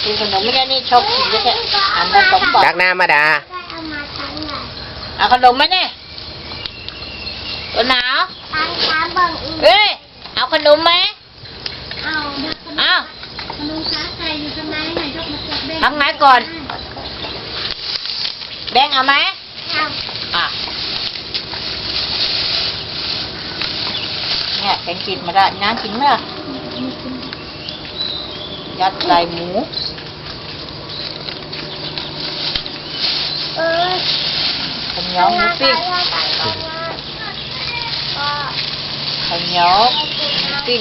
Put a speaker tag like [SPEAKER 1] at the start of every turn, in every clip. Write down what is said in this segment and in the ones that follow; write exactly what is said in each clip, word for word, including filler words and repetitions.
[SPEAKER 1] กินขนมไม่ได้นี่ชอบกินแค่อันละสองบาท
[SPEAKER 2] ตักน้ำมาดา
[SPEAKER 3] เอามาทั้งหลาย
[SPEAKER 1] เอาขนมไหมเนี่ยตัวหนาว
[SPEAKER 3] ทั้งขาบังอีก
[SPEAKER 1] เอ้ยเอาขนมไหม
[SPEAKER 3] เอาเด็กคน
[SPEAKER 1] เอา
[SPEAKER 3] ขนมขาไก่อยู่ตรงไหนไหนยกมาจับแบง
[SPEAKER 1] ทำไงก่อนแบงเอาไหม
[SPEAKER 3] เอา
[SPEAKER 1] อ่ะเนี่ยแกงกินมาได้น้ำกินไหมล่ะยัดใส่หมู
[SPEAKER 3] เออ
[SPEAKER 1] ข้าวเหนียวหมูปิ้งข้าวเหนียวหมูปิ้ง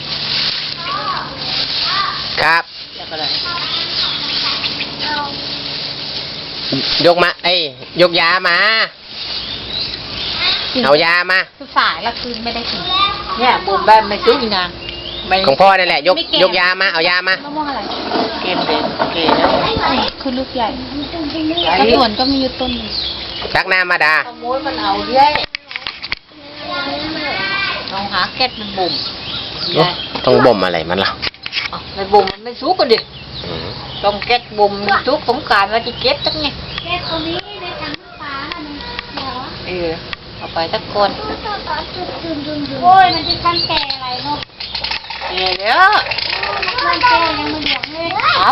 [SPEAKER 2] ครับ
[SPEAKER 1] แล้วก็อะไร
[SPEAKER 2] ยกมาเอ้ยยกยามา เอายามา
[SPEAKER 4] คือสายละคืนไม่ได้กิน
[SPEAKER 1] เนี่ยบุญบ้านไม่ซื้ออีกนางไม่
[SPEAKER 2] ของพ่อนั่นแหละยกยกยามาเอายามา
[SPEAKER 4] มะม่วงอะไร
[SPEAKER 1] เกมเด็ดเกมแล้ว
[SPEAKER 4] คือลูกใหญ่
[SPEAKER 1] ไอ้
[SPEAKER 4] กระสวนก็มีอยู่ต้นหนึ่ง
[SPEAKER 2] ตักน้ำมาดา
[SPEAKER 1] ขโมยมันเอาเรื่อยลองหาแก๊สมันบุ่ม
[SPEAKER 2] โอ๊ะต้องบ่มอะไรมันล่ะ
[SPEAKER 1] เอาในบุ่มมันไม่สุกกันดิ
[SPEAKER 2] อืม
[SPEAKER 1] ต้องแก๊สบุ่มสุกสงกรารมาที่เก็บตั้งไง
[SPEAKER 3] แก้ตัวนี้ในถังน้ำปลาน่ะมันเหรอ
[SPEAKER 1] เออเอาไปสักคน
[SPEAKER 3] โอ้ยมันจะกันแก่อะไรเนาะ
[SPEAKER 1] เออเดี๋ยว
[SPEAKER 3] มันแก่ยังไม่เหลืองเลย